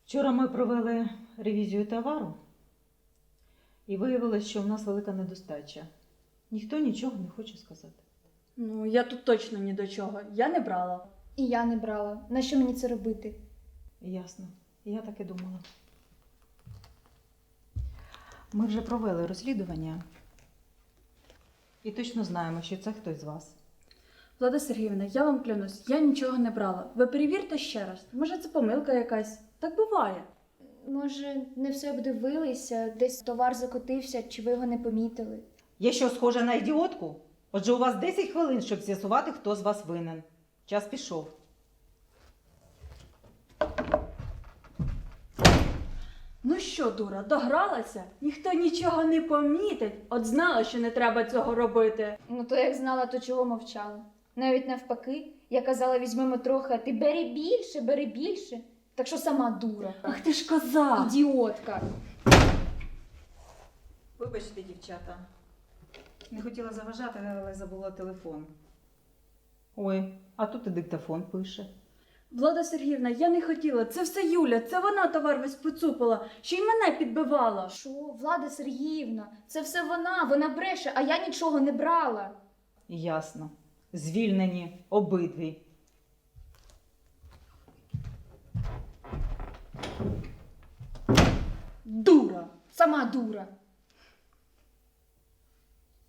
Вчора ми провели ревізію товару і виявилось, що в нас велика недостача. Ніхто нічого не хоче сказати. Ну, я тут точно ні до чого. Я не брала. І я не брала. Нащо мені це робити? Ясно. Я так і думала. Ми вже провели розслідування і точно знаємо, що це хтось з вас. Влада Сергіївна, я вам клянусь, я нічого не брала. Ви перевірте ще раз. Може, це помилка якась. Так буває. Може, не все обдивилися, десь товар закотився, чи ви його не помітили? Я що, схожа на ідіотку? Отже, у вас 10 хвилин, щоб з'ясувати, хто з вас винен. Час пішов. Ну що, дура, догралася? Ніхто нічого не помітить. От знала, що не треба цього робити. Ну то як знала, то чого мовчала? Навіть навпаки, я казала, візьмемо трохи, а ти бери більше, бери більше. Так що сама дура. Ах ти ж коза! Ідіотка. Вибачте, дівчата. Не хотіла заважати, але забула телефон. Ой, а тут і диктофон пише. Влада Сергіївна, я не хотіла. Це все Юля, це вона товар весь поцупила. Ще й мене підбивала. Що, Влада Сергіївна, це все вона бреше, а я нічого не брала. Ясно. Звільнені обидві. Дура! Сама дура.